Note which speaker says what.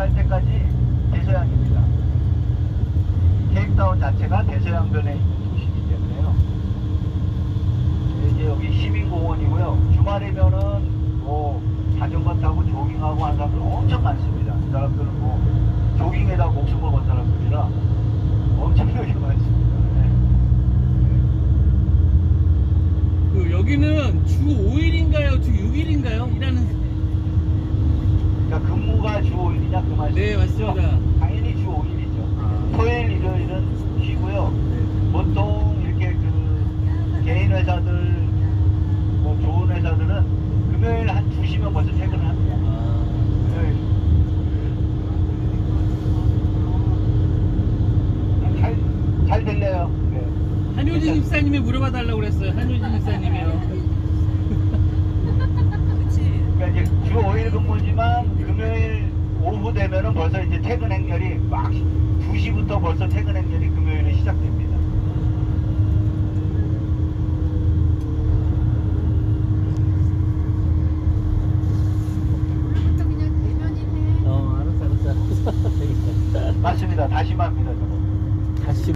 Speaker 1: 갈 때까지 대서양입니다. 케이프타운 자체가 대서양변에 있는 도시이기 때문에요. 이제 여기 시민공원이고요. 주말이면은 뭐 자전거 타고 조깅하고 하는 사람들 엄청 많습니다. 이 사람들은 뭐 조깅에다 목숨을 건 사람들이라 엄청나게 많습니다. 네.
Speaker 2: 그 여기는 주 5일인가요? 주 6일인가요? 일하는.
Speaker 1: 그러니까 근무가 주 5일이냐 그 말씀이죠?
Speaker 2: 네, 맞습니다.
Speaker 1: 당연히 주 5일이죠. 토요일, 일요일은 쉬고요. 보통 이렇게 그 개인 회사들, 뭐 좋은 회사들은 금요일 한 2시면 벌써 퇴근을 합니다. 금요일. 잘 들려요. 네.
Speaker 2: 한효진 입사님이 물어봐 달라고 그랬어요. 한효진 입사님이요.
Speaker 1: 그러니까 이제 주 5일 근무지만 금요일 오후 되면은 벌써 이제 퇴근 행렬이 막 2시부터 벌써 퇴근 행렬이 금요일에 시작됩니다.
Speaker 3: 오늘부터 그냥 대면이네.
Speaker 2: 알았어.
Speaker 1: 맞습니다. 다시마입니다, 저거.
Speaker 2: 다시